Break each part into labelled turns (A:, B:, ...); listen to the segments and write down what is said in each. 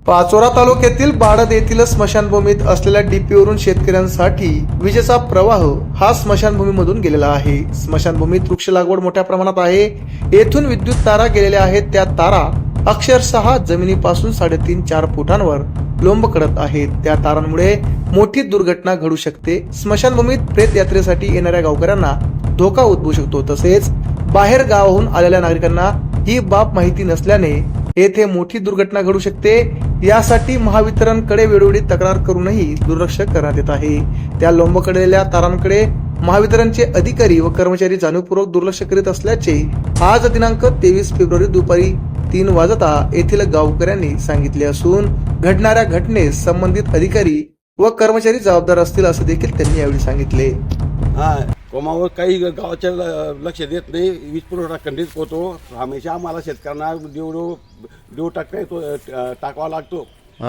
A: पाचोरा तालुक्यातील बाळद येथील स्मशानभूमीत असलेल्या डीपीवरून शेतकऱ्यांसाठी विजेचा प्रवाह हा स्मशानभूमीमधून गेलेला आहे। स्मशानभूमीत वृक्ष लागवड मोठ्या प्रमाणात आहे। येथून विद्युत तारा गेलेल्या आहेत। त्या तारा अक्षरशः जमिनीपासून 3.5-4 फुटांवर लोंब करत आहेत। त्या तारांमुळे मोठी दुर्घटना घडू शकते। स्मशानभूमीत प्रेत यात्रेसाठी येणाऱ्या गावकऱ्यांना धोका उद्भवू शकतो। तसेच बाहेर गावाहून आलेल्या नागरिकांना ही बाब माहिती नसल्याने येथे मोठी दुर्घटना घडू शकते। यासाठी महावितरणकडे वेळोवेळी तक्रार करूनही दुर्लक्ष करण्यात येत आहे। त्या लोंबकळलेल्या तारांकडे महावितरणचे अधिकारी व कर्मचारी जाणीवपूर्वक दुर्लक्ष करीत असल्याचे आज दिनांक 23 फेब्रुवारी दुपारी 3 वाजता येथील गावकऱ्यांनी सांगितले असून घडणाऱ्या घटनेस संबंधित अधिकारी व कर्मचारी जबाबदार असतील असे देखील त्यांनी यावेळी सांगितले।
B: कोमावर काही गावाच्या लक्ष देत नाही, वीज पुरवठा खंडित होतो। हमेशा आम्हाला शेतकऱ्यांना देव टाकावा लागतो।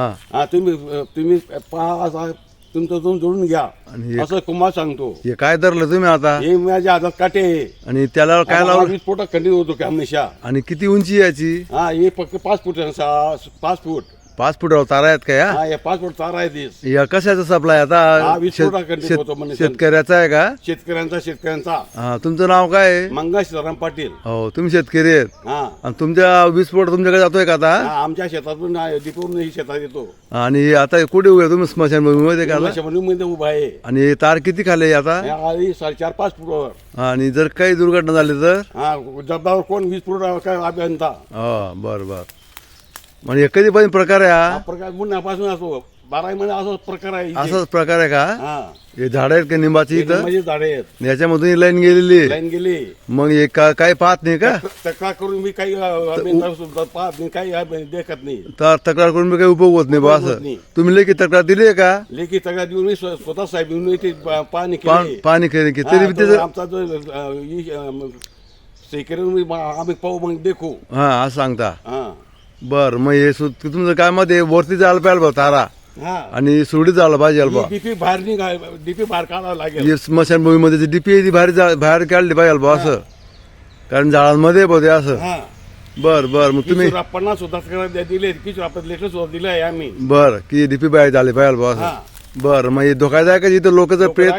B: तुम्ही पहा, तुमचं जोडून घ्या असं कुमार सांगतो।
C: हे काय धरलं तुम्ही आता?
B: हे माझ्या हातात काटे
C: आणि त्याला काय लावलं?
B: वीज पुरवठा खंडित होतो की हमेशा।
C: आणि किती उंची याची?
B: हे फक्त 5 फूट 5 फूट
C: 5 फुटावर तारा आहेत का या?
B: हे 5 फूट तारा आहे।
C: या कशाचा सप्लाय आता?
B: वीज पुरवठा खंडित होतो म्हणजे
C: शेतकऱ्याचा आहे का?
B: शेतकऱ्यांचा।
C: हा, तुमचं नाव काय आहे?
B: मंगेश सीताराम पाटील।
C: हो, तुम्ही शेतकरी आहेत।
B: हा,
C: आणि तुमच्या वीज पुरवठा तुमच्याकडे जातोय का आता?
B: आमच्या शेतातून दीपूरून शेतात येतो।
C: आणि आता कुठे उभे तुम्ही? स्मशानभूमीमध्ये का?
B: मध्ये उभा आहे।
C: आणि तार किती खाले आता?
B: 4.5-5 फुटावर।
C: आणि जर काही दुर्घटना झाली तर?
B: जबाबदार कोण? वीज पुरवठा काय अभियंता।
C: बर बर। म्हणजे कधी पण प्रकार आहे हा?
B: प्रकार मुन्नापासून असो 12 महिने असाच प्रकार आहे।
C: असाच प्रकार आहे का? हे झाड आहेत का निंबाची इथं?
B: माझी झाडे आहेत।
C: याच्यामधून ही लाईन गेलेली?
B: लाईन गेली।
C: मग हे काही पाहत नाही का?
B: तक्रार करून मी काही पाहत नाही, काही देखत नाही।
C: तर तक्रार करून मी काही उपयोग होत नाही बा असं? तुम्ही लेखी तक्रार दिली आहे का?
B: लेखी तक्रार देऊन मी स्वतः साहेब येऊन इथे पाणी केली।
C: पाणी केली की तरी त्याचं
B: आमचा जो सेक्रेटरी आम्ही पाहू मग देखू।
C: हा असं सांगता? बर, मग हे तुमचं काय मत आहे? वरती जायला पाहिजे बा तारा आणि सुरडीत जायला पाहिजे बा?
B: डीपी बाहेर काढावं लागेल।
C: स्मशानभूमीमध्ये डीपी बाहेर काढली पाहिजे बा असं? कारण झाडांमध्ये बघ असं। बर बर, मग तुम्ही
B: 50 सुद्धा दिले, 20 लेटर सुद्धा दिले आहे आम्ही।
C: बर, की डीपी बाहेर झाले पाहिजे बा असं? बर, मग हे धोकादायक आहे इथं लोक जर प्रेत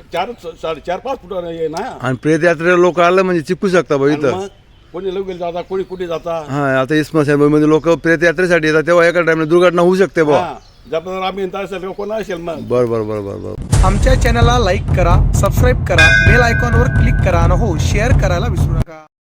B: 4.5 फूट आहे ना।
C: आणि प्रेत यात्रेला लोक आलं म्हणजे चिपकू शकता बा इथं?
B: कोणी लोक जाता, कोणी कुठे जाता।
C: हा, आता स्मशानभूमीमध्ये लोक प्रेत यात्रेसाठी येतात तेव्हा एका टाइमला दुर्घटना होऊ शकते बा।
B: जबाबदार आम्ही कोण असेल मग?
C: बर बर बर बर बर।
A: आमच्या चॅनलला लाईक करा, सबस्क्राईब करा, बेल आयकॉनवर क्लिक करा आणि हो शेअर करायला विसरू नका।